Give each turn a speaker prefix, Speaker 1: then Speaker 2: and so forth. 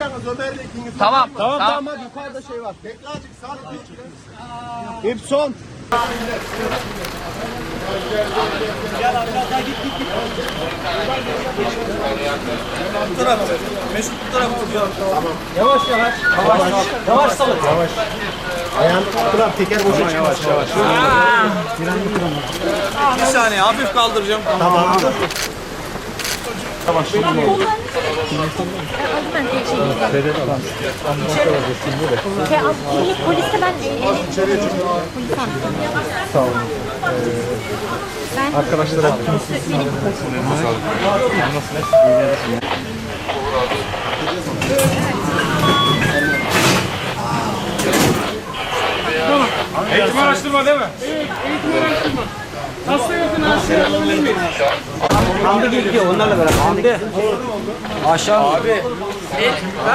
Speaker 1: çıkacaksınız Ömer'le ikiniz.
Speaker 2: Tamam.
Speaker 1: Tamam hadi yukarıda şey var. Bekle azıcık Salih. İp son.
Speaker 3: Gel aşağıda git. Bu taraf. Mesut bu taraf tutuyor.
Speaker 1: Tamam.
Speaker 3: Yavaş salın.
Speaker 1: Yavaş. Ayağını tuttular teker boşa yavaş.
Speaker 3: Bir saniye hafif kaldıracağım.
Speaker 1: Tamam.
Speaker 4: Poliste ben
Speaker 1: Sağ olun. Arkadaşlara
Speaker 5: Eğitim araştırma değil mi? Evet, eğitim araştırma. Hasta yakın hastaya alabilir miyiz?
Speaker 3: Hamdi geliyor onlarla beraber. Hamdi. Aşağı. Abi.